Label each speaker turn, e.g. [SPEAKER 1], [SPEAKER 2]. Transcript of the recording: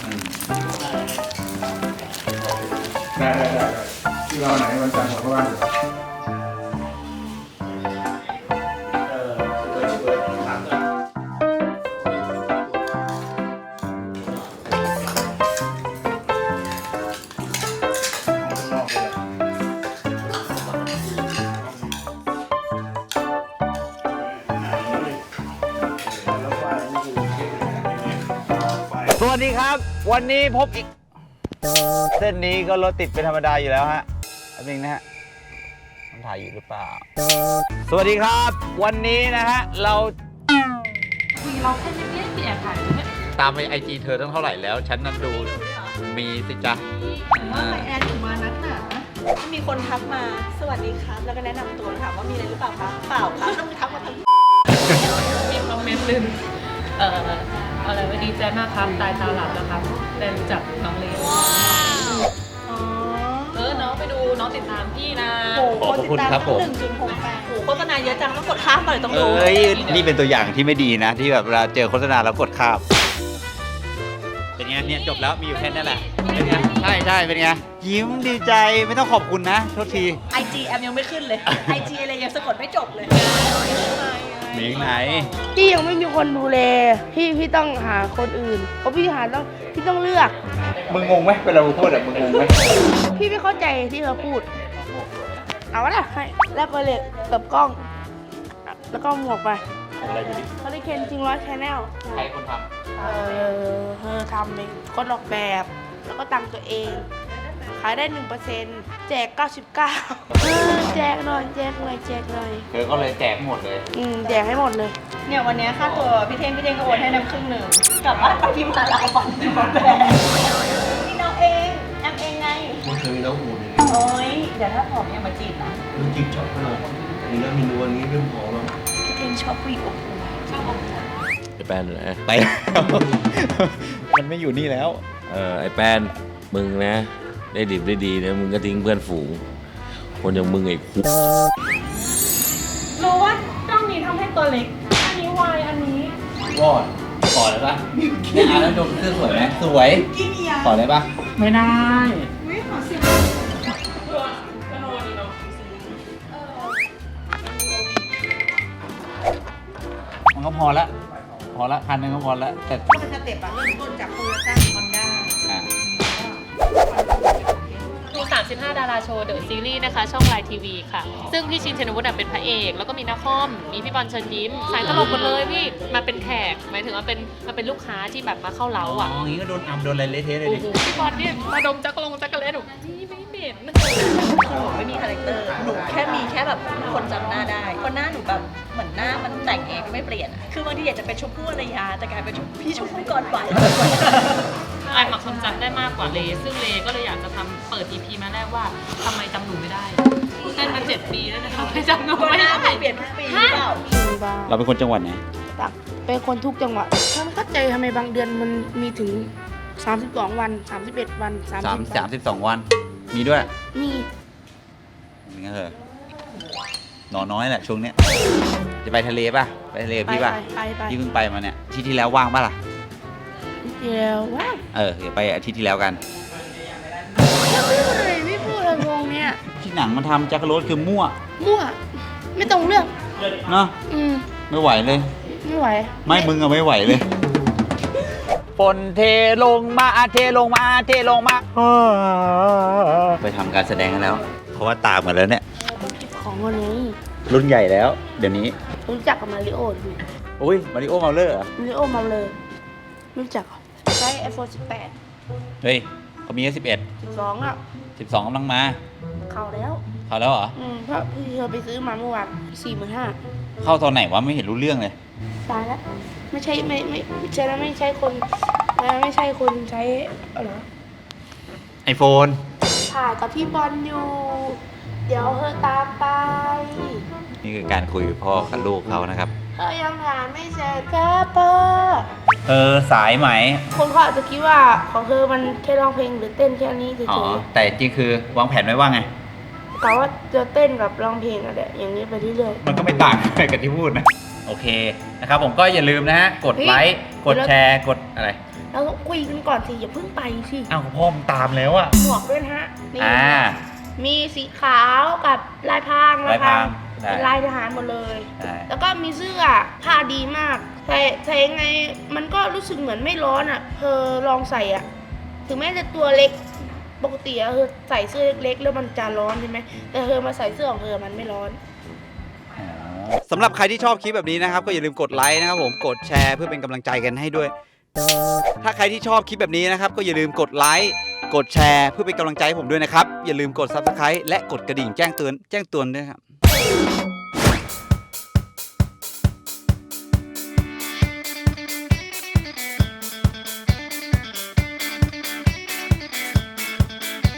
[SPEAKER 1] ได้ที่เราไหนวันจันทร์ผมก็ว่างอยู่
[SPEAKER 2] สวัสดีครับวันนี้พบอีกเส้นนี้ก็รถติดเป็นธรรมดาอยู่แล้วฮะอันนี้นะฮะมันถ่ายอยู่หรือเปล่าสวัสดีครับวันนี้นะฮะเรา
[SPEAKER 3] แค่ไม่ได้แอบถ่ายเนี่ย
[SPEAKER 2] ตามไปไอจีเธอตั้งเท่าไหร่แล้วฉันนั้นดูมีสิจ๊ะ
[SPEAKER 3] ว่าไปแอนถึงมานักหนามีคนทักมาสวัสดีครับแล้วก็แนะนำตัวถามว่ามีอะไรหรือเปล่าครับเปล่าครับต้องทักมาทำมีคอมเมนต์หนึ่งอะไรวันดีใจมากครับตายตาหลับนะครับได้รู้จักน้องเลนน้องไปดูน้องติดตามพี่นะ
[SPEAKER 2] ขอบคุณครับผม
[SPEAKER 3] 1.68โอ้โฆษณาเยอะจังต้องกดข้ามเลยต้องดู
[SPEAKER 2] นี่เป็นตัวอย่างที่ไม่ดีนะที่แบบเวลาเจอโฆษณาแล้วกดข้ามเป็นไงเนี่ยจบแล้วมีอยู่แค่นี้แหละเป็นไงใช่เป็นไงยิ้มดีใจไม่ต้องขอบคุณนะโทษที
[SPEAKER 3] IG แอมยังไม่ขึ้นเลย IG อะไรยังสะกดไม่จบเลย
[SPEAKER 2] มีไหน
[SPEAKER 4] พี่ยังไม่มีคนดูแลพี่ต้องหาคนอื่นเพราะพี่ต้องเลือก
[SPEAKER 2] มึงงงไหมเวลากูพูดอะมึงงงไหม
[SPEAKER 4] พี่ไม่เข้าใจที่เขาพูดเอาวะล่ะให้แลกไปเลยกับกล้องแล้วก็หมวกไป
[SPEAKER 2] อะไรดูดิ
[SPEAKER 4] เขาได้เคนจริง100 Channel
[SPEAKER 2] ใครคนท
[SPEAKER 4] ำเธอทำเองคนออกแบบแล้วก็ตังตัวเองขายได้ 1% แจก 99แจกหน่อยเ
[SPEAKER 2] ธอก็เลยแจกหมดเลย
[SPEAKER 4] แจกให้หมดเลย
[SPEAKER 3] เนี่ยวันนี้ค่าตัวพี่เท่งก็โอนให้น้ำครึ่งหนึ่งกลับบ้านไปพิมพ์มาลาฝันที่มาแบกนี่น้องเองแอมเองไง
[SPEAKER 5] มันเคยมีน้องหูนี่
[SPEAKER 3] โอ้ยเดี๋ยวถ้าผอมยังมาจีบนะ
[SPEAKER 5] มันจีบชอบขนาดนี้แล้วมีนวลนี้เริ่มผอมแล้ว
[SPEAKER 3] พี่เท่งชอบผู้หญิงอบอุ่นชอบอบอุ่น
[SPEAKER 6] ไอแปนนะ
[SPEAKER 2] ไปมันไม่อยู่นี่แล้ว
[SPEAKER 6] ไอแปนมึงนะได้ดิบได้ดีนะมึงก็ทิ้งเพื่อนฝูงคนอย่างมึงไอ้คุ
[SPEAKER 3] รู้ว่ากล้องนี้ทำให้ตัวเล็กอันนี้วายอันนี้
[SPEAKER 2] วอดขอเลยปะเนี่ยแล้วดมเสื้อสวยไหมสวยขอเลยปะ
[SPEAKER 3] ไม่ได้ไม่ขอสิ
[SPEAKER 2] มันก็พอละคันนึงก็พอละแต่
[SPEAKER 3] ก็เป็นสเต็ปอะเริ่มต้นจากโตโยต้าฮอนด้าดู35 ดาราโชว์เดอะซีรีส์นะคะช่องไลน์ทีวีค่ะซึ่งพี่ชินเชนวุฒิเป็นพระเอกแล้วก็มีนักคอมมีพี่บอลเชิญยิ้มสายตลกหมดเลยพี่มาเป็นแขกหมายถึงว่าเป็นลูกค้าที่แบบมาเข้าเล้าอ่ะ
[SPEAKER 2] อย่างงี้ก็โดนอัมโดนอะไรเละเทะเลยดิ
[SPEAKER 3] พี่บอลเนี่ยมาดมจักรเลสหนูพี่ไม่เหม็นไม่มีคาแรคเตอร์หนูแค่แบบคนจำหน้าได้คนหน้าหนูแบบเหมือนหน้ามันแต่งเองไม่เปลี่ยนคือบางทีอยากจะเป็นชมพู่อารยาแต่กลายเป็นพี่ชมพู่ก่อนไปไอหมักคนจำได้มากกว่าเลซึ่งเลก็เลยอยากจะทำเปิด EP มาแรกว่าทำไมจำหนูไม่ได้เต้นมา7 ปีแล้วนะคะไม่จำหนูไม่ได้เปลี่ยนทุกปีหรือเปล่า
[SPEAKER 2] เราเป็นคนจังหวัดไหน
[SPEAKER 4] ตักเป็นคนทุกจังหวัดถ้าไม่เข้าใจทำไมบางเดือนมันมีถึง32 วัน31 วัน
[SPEAKER 2] 32 วันมีด้วย
[SPEAKER 4] มี
[SPEAKER 2] นี่เหรอนอนน้อยแหละช่วงเนี้ยจะไปทะเลป่ะไปทะเลพี่ป่ะพี่เพิ่งไปมาเนี่ยที่แล้วว่างป่ะล่ะ
[SPEAKER 4] เดี๋ยวว่าง
[SPEAKER 2] เดี๋ยวไปอาทิตย์ที่แล้วกัน
[SPEAKER 4] ไม่พูดอะไรวงเนี้ย
[SPEAKER 2] ที่หนังมันทำจักรโรสคือมั่ว
[SPEAKER 4] ไม่ตรงเรื่อง
[SPEAKER 2] เนาะไม่ไหวเลย
[SPEAKER 4] ไม่ไหว
[SPEAKER 2] ไม่มึงอะไม่ไหวเลยฝนเทลงมาไปทำการแสดงกันแล้วเพราะว่าตามกันแล้วเนี่ย
[SPEAKER 4] ของวันนี้
[SPEAKER 2] รุ่นใหญ่แล้วเดี๋ยวนี้
[SPEAKER 4] รู้จักกับมาริโอดู
[SPEAKER 2] อุ้ยมาริโอเมาเลอร์เหรอ
[SPEAKER 4] มาริโอเมาเลอร์รู้จักใช้ iPhone 18
[SPEAKER 2] เฮ้ยเขามีแค่11
[SPEAKER 4] 12อ่ะ
[SPEAKER 2] 12กำลังมา
[SPEAKER 4] เข้าแล้ว
[SPEAKER 2] เหรอ
[SPEAKER 4] เพราะพี่เธอไปซื้อมาเมื่อวาน45,000
[SPEAKER 2] เข้าตอนไหนวะไม่เห็นรู้เรื่องเลย
[SPEAKER 4] ตายแล้วไม่ใช่คนใช้อะไร
[SPEAKER 2] iPhone
[SPEAKER 4] ถ่ายกับพี่บอลอยู่เดี๋ยวเธอตามไป
[SPEAKER 2] นี่คือการคุยกับพ่อกับลูกเขานะครับ
[SPEAKER 4] ยังถามไม่เสร็จครับพ่อ
[SPEAKER 2] สายไหม
[SPEAKER 4] คนเขาอาจจะคิดว่าของเธอมันแค่ร้องเพลงหรือเต้นแค่นี้เฉย
[SPEAKER 2] แต่จริงคือวางแผนไว้ว่าไง
[SPEAKER 4] กะว่าจะเต้นกับร้องเพลงอะไรอย่างนี้ไปเรื่อย
[SPEAKER 2] ๆมันก็ไม่ต่างกับที่พูดนะโอเคนะครับผมก็อย่าลืมนะฮะกดไลค์กดแชร์กดอะไร
[SPEAKER 4] แล้วก็คุยกันก่อนสิอย่าเพิ่งไปสิ
[SPEAKER 2] อ้าวพ่อมตามแล้วอะ
[SPEAKER 4] หมวกด้วยนะฮะนี่ มีสีขาวกับลายพราง
[SPEAKER 2] ลายพราง
[SPEAKER 4] เป็นลายทหารหมดเลย
[SPEAKER 2] ใช่
[SPEAKER 4] แล้วก็มีเสื้อผ้าดีมากใส่ยังไงมันก็รู้สึกเหมือนไม่ร้อนอ่ะเธอลองใส่อ่ะถึงแม้จะตัวเล็กปกติอะเธอใส่เสื้อเล็กๆแล้วมันจะร้อนใช่ไหมแต่เธอมาใส่เสื้อของเธอมันไม่ร้อน
[SPEAKER 2] สำหรับใครที่ชอบคลิปแบบนี้นะครับก็อย่าลืมกดไลค์นะครับผมกดแชร์เพื่อเป็นกำลังใจกันให้ด้วย ถ้าใครที่ชอบคลิปแบบนี้นะครับก็อย่าลืมกดไลค์กดแชร์เพื่อเป็นกำลังใจให้ผมด้วยนะครับอย่าลืมกด Subscribe และกดกระดิ่งแจ้งเตือนด้วยครับ